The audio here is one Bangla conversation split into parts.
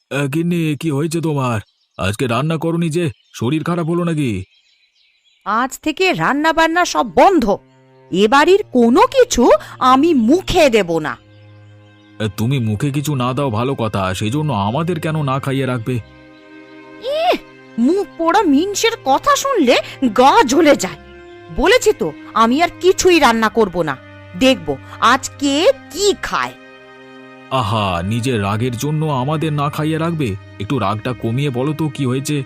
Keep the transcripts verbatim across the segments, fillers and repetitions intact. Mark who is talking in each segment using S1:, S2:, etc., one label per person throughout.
S1: আহ, গিন্নি, কি হয়েছে তোমার? আজকে রান্না করনি যে? শরীর খারাপ হলো নাকি?
S2: আজ থেকে রান্না বান্না সব বন্ধ। এ বাড়ির কোনো কিছু আমি মুখে দেব না।
S1: আহ, তুমি মুখে কিছু না দাও ভালো কথা, সেই জন্য আমাদের কেন না খাইয়ে রাখবে?
S2: মুখ পোড়া মিনসের কথা শুনলে গা জ্বলে যায়। বলেছি তো আমি আর কিছুই রান্না করব না। দেখব আজ কে কি খায়।
S1: আহা, নিজের রাগের জন্য আমাদের না খাইয়ে রাখবে? একটু রাগটা কমিয়ে বলো তো কি হয়েছে।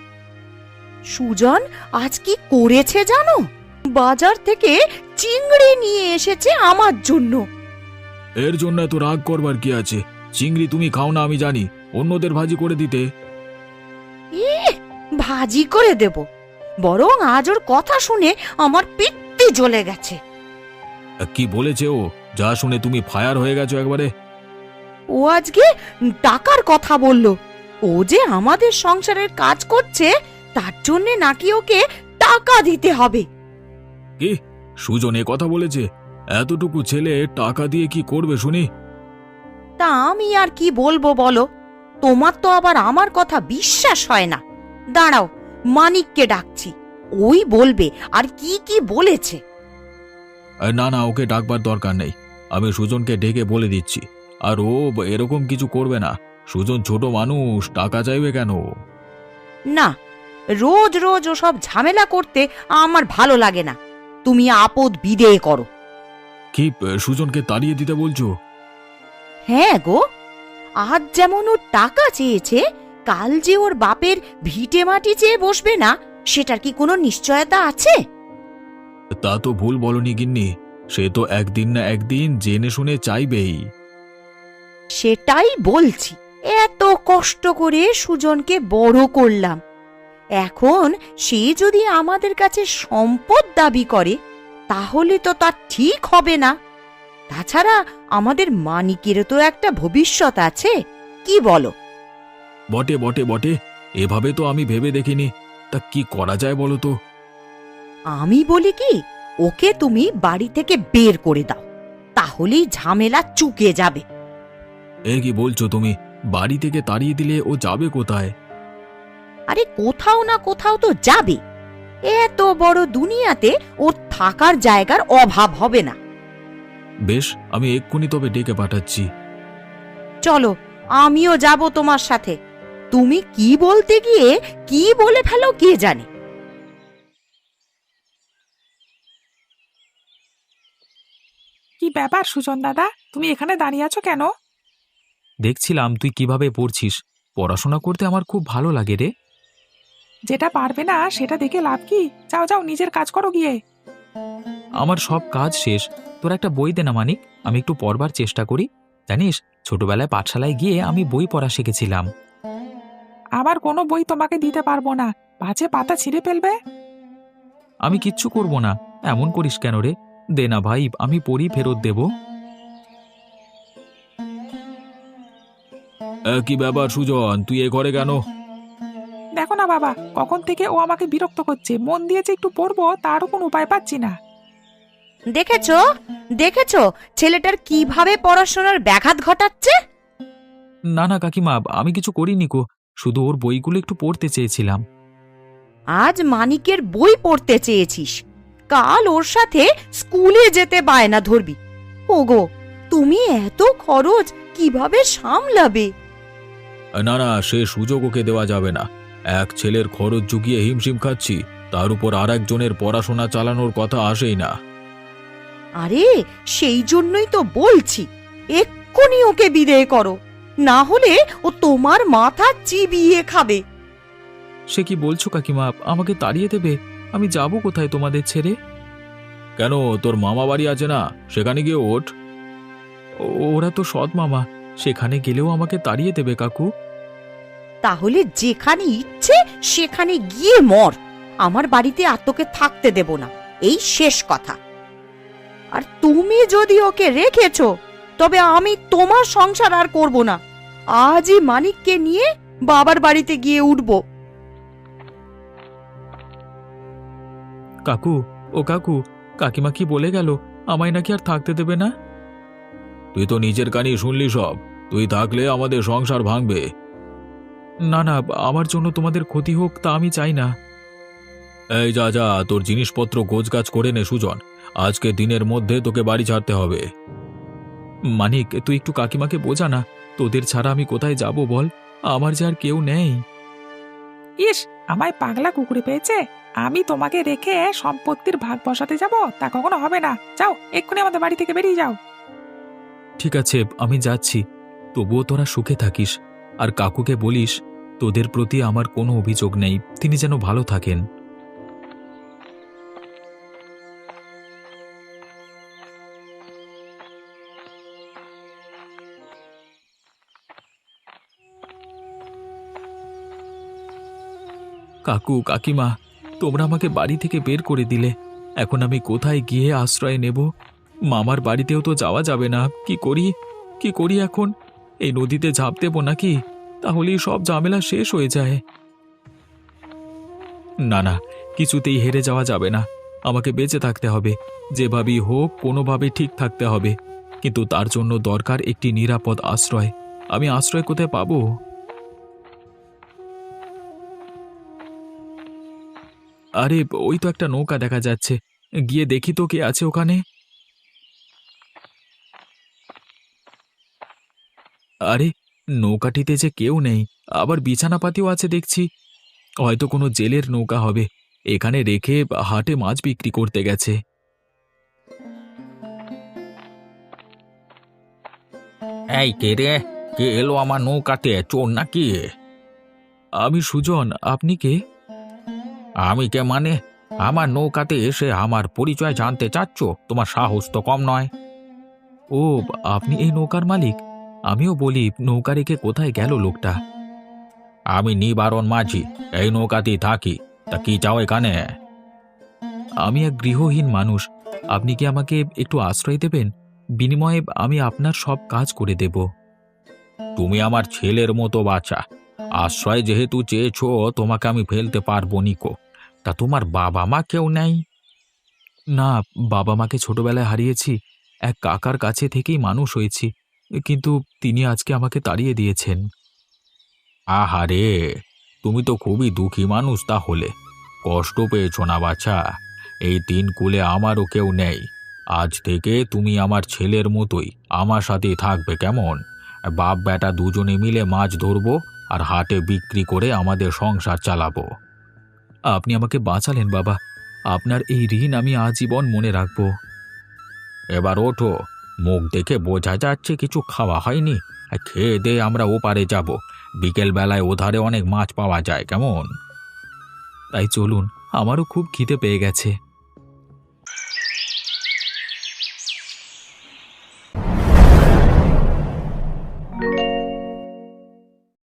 S2: সুজন আজ কি করেছে জানো? বাজার থেকে চিংড়ি নিয়ে এসেছে আমার জন্য।
S1: এর জন্য এত রাগ করবার কি আছে? চিংড়ি তুমি খাও না আমি জানি, অন্যদের ভাজি করে দিতে।
S2: ইহ, ভাজি করে দেব? বরং আজ ওর কথা শুনে আমার পিত্তি জ্বলে গেছে।
S1: আহ, কি বলেছে ও? যা শুনে তুমি ফায়ার হয়ে গেছো একবারে।
S2: ও আজকে টাকার কথা বলল। ও যে আমাদের সংসারের কাজ করছে তার জন্য নাকি ওকে টাকা দিতে হবে।
S1: কি? সুজন এ কথা বলেছে? এতটুকু ছেলে টাকা দিয়ে কি করবে শুনি?
S2: তা আমি আর কি বলবো বলো? তোমার তো আবার আমার কথা বিশ্বাস হয় না। দাঁড়াও, মানিককে ডাকছি, ওই বলবে আর কি কি বলেছে।
S1: আহ, না না, ওকে ডাকবার দরকার নেই। আমি সুজনকে ডেকে বলে দিচ্ছি। আর ও ব- এরকম কিছু করবে না। সুজন ছোট মানুষ, টাকা চাইবে কেন?
S2: না, রোজ রোজ ওসব ঝামেলা করতে আমার ভালো লাগে না। তুমি আপদ বিদেয় করো।
S1: কি, আহ, সুজনকে তাড়িয়ে দিতে বলছো?
S2: হ্যাঁ গো, আজ যেমন ও টাকা চেয়েছে, কাল যে ওর বাপের ভিটে মাটি চেয়ে বসবে না সেটার কি কোনো নিশ্চয়তা আছে?
S1: তা তো ভুল বলনি গিন্নি। সে তো একদিন না একদিন জেনে শুনে চাইবেই।
S2: সেটাই বলছি, এত কষ্ট করে সুজনকে বড় করলাম, এখন সে যদি আমাদের কাছে সম্পদ দাবি করে তাহলে তো তার ঠিক হবে না। তাছাড়া আমাদের মানিকেরও তো একটা ভবিষ্যৎ আছে, কি বলো?
S1: বটে বটে বটে, এভাবে তো আমি ভেবে দেখিনি। তা কি করা যায় বলো তো?
S2: আমি বলি কি, ওকে তুমি বাড়ি থেকে বের করে দাও, তাহলেই ঝামেলা চুকে যাবে।
S1: এ কি বলছো তুমি? বাড়ি থেকে তাড়িয়ে দিলে ও যাবে কোথায়?
S2: আরে কোথাও না কোথাও তো যাবে। এত বড় দুনিয়াতে ওর থাকার জায়গার অভাব হবে না।
S1: বেশ, আমি এক্ষুনি তবে ডেকে পাঠাচ্ছি।
S2: চলো, আমিও যাব তোমার সাথে। তুমি কি বলতে গিয়ে কি বলে ফেলো কে জানে।
S3: কি ব্যাপার সুজন দাদা, তুমি এখানে দাঁড়িয়ে আছো কেন?
S1: দেখছিলাম তুই কিভাবে পড়ছিস। পড়াশোনা করতে আমার খুব ভালো লাগে রে।
S3: যেটা পারবে না সেটা দেখে লাভ কি? যাও যাও, নিজের কাজ করো গিয়ে।
S1: আমার সব কাজ শেষ। তোর একটা বই দে না মানিক, আমি একটু পড়বার চেষ্টা করি। জানিস, ছোটবেলায় পাঠশালায় গিয়ে আমি বই পড়া শিখেছিলাম।
S3: আবার কোনো বই তোমাকে দিতে পারবো না, পাছে পাতা ছিঁড়ে ফেলবে।
S1: আমি কিচ্ছু করব না। এমন করিস কেন রে? দে না ভাই, আমি পড়ি, ফেরত দেব। কি ব্যাপার সুজন, তুই এ ঘরে কেন?
S3: দেখো না বাবা, কখন থেকে ও আমাকে বিরক্ত করছে। মন দিয়েছে একটু পড়বো, তারও কোনো উপায় পাচ্ছি না।
S2: দেখেছো দেখেছো ছেলেটার কিভাবে পড়াশোনার ব্যাঘাত ঘটাচ্ছে।
S1: না না কাকিমা, আমি কিছু করিনি গো। শুধু ওর বইগুলো একটু পড়তে চেয়েছিলাম।
S2: আজ মানিকের বই পড়তে চেয়েছিস, কাল ওর সাথে স্কুলে যেতে বায়না ধরবি। ওগো, তুমি এত খরচ কিভাবে সামলাবে?
S1: না না, সে সুযোগ ওকে দেওয়া যাবে না। এক ছেলের খরচ জুগিয়ে হিমশিম খাচ্ছি, তার উপর আর একজনের পড়াশোনা চালানোর কথা আসেই না।
S2: আরে সেই জন্যই তো বলছি, এক্ষুনি ওকে বিদেয় করো, না হলে ও তোমার মাথা চিবিয়ে খাবে।
S1: সে কি বলছো কাকিমা? আমাকে তাড়িয়ে দেবে? আমি যাব কোথায় তোমাদের ছেড়ে? কেন, তোর মামা বাড়ি আছে না, সেখানে গিয়ে ওঠ। ও- ওরা তো সৎ মামা, সেখানে গেলেও আমাকে তাড়িয়ে দেবে কাকু।
S2: তাহলে যেখানে ইচ্ছে সেখানে গিয়ে মর, আমার বাড়িতে আর তোকে থাকতে দেব না, এই শেষ কথা। আর তুমি যদি ওকে রেখেছো তবে আমি তোমার সংসার আর করব না। আজই মানিককে নিয়ে বাবার বাড়িতে গিয়ে উঠব।
S1: কাকু, ও কাকু, কাকিমা কি বলে গেল? আমায় নাকি আর থাকতে দেবে না? তুই তো নিজের কানে শুনলি সব। তুই থাকলে আমাদের সংসার ভাঙবে। না না, আমার জন্য তোমাদের ক্ষতি হোক তা আমি চাই না। এই যা যা, তোর জিনিসপত্র গোছগাছ করে নে সুজন, আজকে দিনের মধ্যে তোকে বাড়ি ছাড়তে হবে। মানিক, তুই একটু কাকিমাকে বোঝা না, তোদের ছাড়া আমি কোথায় যাব বল, আমার যে আর কেউ নেই।
S3: ইস, আমায় পাগলা কুকুরে পেয়েছে। আমি তোমাকে রেখে সম্পত্তির ভাগ বসাতে যাব, তা কখনো হবে না। যাও, এক্ষুনি আমাদের বাড়ি থেকে বেরিয়ে যাও।
S1: ঠিক আছে, আমি যাচ্ছি, তবুও তোরা সুখে থাকিস, আর কাকুকে বলিস তোদের প্রতি আমার কোনো অভিযোগ নেই, তিনি যেন ভালো থাকেন। কাকু কাকিমা, তোমরা আমাকে বাড়ি থেকে বের করে দিলে, এখন আমি কোথায় গিয়ে আশ্রয় নেব? মামার বাড়িতেও তো যাওয়া যাবে না, কি করি কি করি এখন? এই নদীতে ঝাঁপ দেব নাকি? তাহলেই সব ঝামেলা শেষ হয়ে যায়। না না, কিছুতেই হেরে যাওয়া যাবে না, আমাকে বেঁচে থাকতে হবে, যেভাবেই হোক কোনোভাবে ঠিক থাকতে হবে, কিন্তু তার জন্য দরকার একটি নিরাপদ আশ্রয়। আমি আশ্রয় কোথায় পাবো? আরে, ওই তো একটা নৌকা দেখা যাচ্ছে, গিয়ে দেখি তো কে আছে ওখানে। আরে, নৌকাটিতে যে কেউ নেই, আবার বিছানাপাতিও আছে দেখছি, হয়তো কোনো জেলের নৌকা হবে, এখানে রেখে হাটে মাছ বিক্রি করতে গেছে।
S4: এই কে রে? কে এলো আমার নৌকাতে? চোর নাকি?
S1: আমি সুজন, আপনি কে?
S4: আমি কে মানে? আমার নৌকাতে এসে আমার পরিচয় জানতে চাচ্ছ? তোমার সাহস তো কম নয়।
S1: ও, আপনি এই নৌকার মালিক? আমিও বলি, নৌকা রেখে কোথায় গেল লোকটা?
S4: আমি নিবারণ মাঝি, এই নৌকাতেই থাকি। তা কি চাও এখানে?
S1: আমি এক গৃহহীন মানুষ, আপনি কি আমাকে একটু আশ্রয় দেবেন? বিনিময়ে আমি আপনার সব কাজ করে দেব।
S4: তুমি আমার ছেলের মতো বাচ্চা, আশ্রয় যেহেতু চেয়েছো, তোমাকে আমি ফেলতে পারবো নিকো। তা তোমার বাবা মা কেউ নেই?
S1: না, বাবা মাকে ছোটবেলায় হারিয়েছি, এক কাকার কাছে থেকেই মানুষ হয়েছি, কিন্তু তিনি আজকে আমাকে তাড়িয়ে দিয়েছেন।
S4: আহারে, তুমি তো খুবই দুঃখী মানুষ তাহলে। কষ্ট পেয়েছো না বাছা? এই তিন কুলে আমারও কেউ নেই। আজ থেকে তুমি আমার ছেলের মতোই আমার সাথেই থাকবে, কেমন? বাপ বেটা দুজনে মিলে মাছ ধরবো আর হাটে বিক্রি করে আমাদের সংসার চালাবো।
S1: আপনি আমাকে বাঁচালেন বাবা, আপনার এই ঋণ আমি আজীবন মনে রাখব।
S4: এবার ওঠো, মুখ দেখে বোঝা যাচ্ছে কিছু খাওয়া হয়নি। খেয়ে দে আমরা ওপারে যাব, বিকেল বেলায় ওধারে অনেক মাছ পাওয়া যায়, কেমন?
S1: তাই চলুন, আমারও খুব খিদে পেয়ে গেছে।